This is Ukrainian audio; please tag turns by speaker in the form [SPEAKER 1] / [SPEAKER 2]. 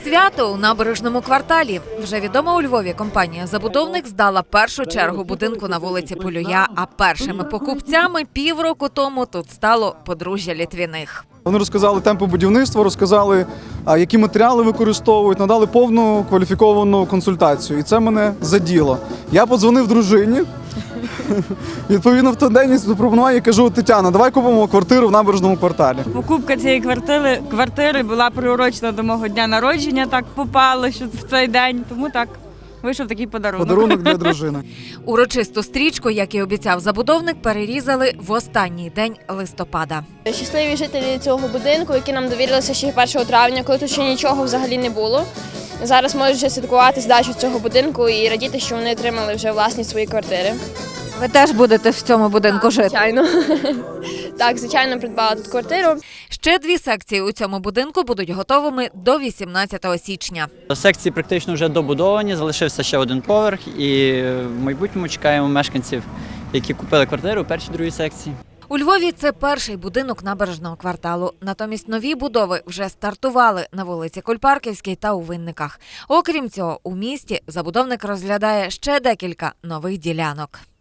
[SPEAKER 1] Свято у Набережному кварталі. Вже відома у Львові компанія-забудовник здала першу чергу будинку на вулиці Полюя, а першими покупцями півроку тому тут стало подружжя Літвіних.
[SPEAKER 2] Вони розказали темпи будівництва, розказали, які матеріали використовують, надали повну кваліфіковану консультацію. І це мене заділо. Я подзвонив дружині, відповідно в той день запропонував і кажу: Тетяна, давай купимо квартиру в Набережному кварталі.
[SPEAKER 3] Покупка цієї квартири була приурочена до мого дня народження, так попало, що в цей день, тому так вийшов такий подарунок.
[SPEAKER 2] Подарунок для дружини.
[SPEAKER 1] Урочисту стрічку, як і обіцяв забудовник, перерізали в останній день листопада.
[SPEAKER 4] Щасливі жителі цього будинку, які нам довірилися ще 1 травня, коли тут ще нічого взагалі не було. Зараз можуть вже святкувати здачу цього будинку і радіти, що вони отримали вже власні свої квартири.
[SPEAKER 1] Ви теж будете в цьому будинку жити?
[SPEAKER 4] Звичайно. Так, звичайно, придбала тут квартиру.
[SPEAKER 1] Ще 2 секції у цьому будинку будуть готовими до 18 січня.
[SPEAKER 5] Секції практично вже добудовані, залишився ще один поверх і в майбутньому чекаємо мешканців, які купили квартиру у першій, другій секції.
[SPEAKER 1] У Львові це перший будинок Набережного кварталу. Натомість нові будови вже стартували на вулиці Кульпарківській та у Винниках. Окрім цього, у місті забудовник розглядає ще декілька нових ділянок.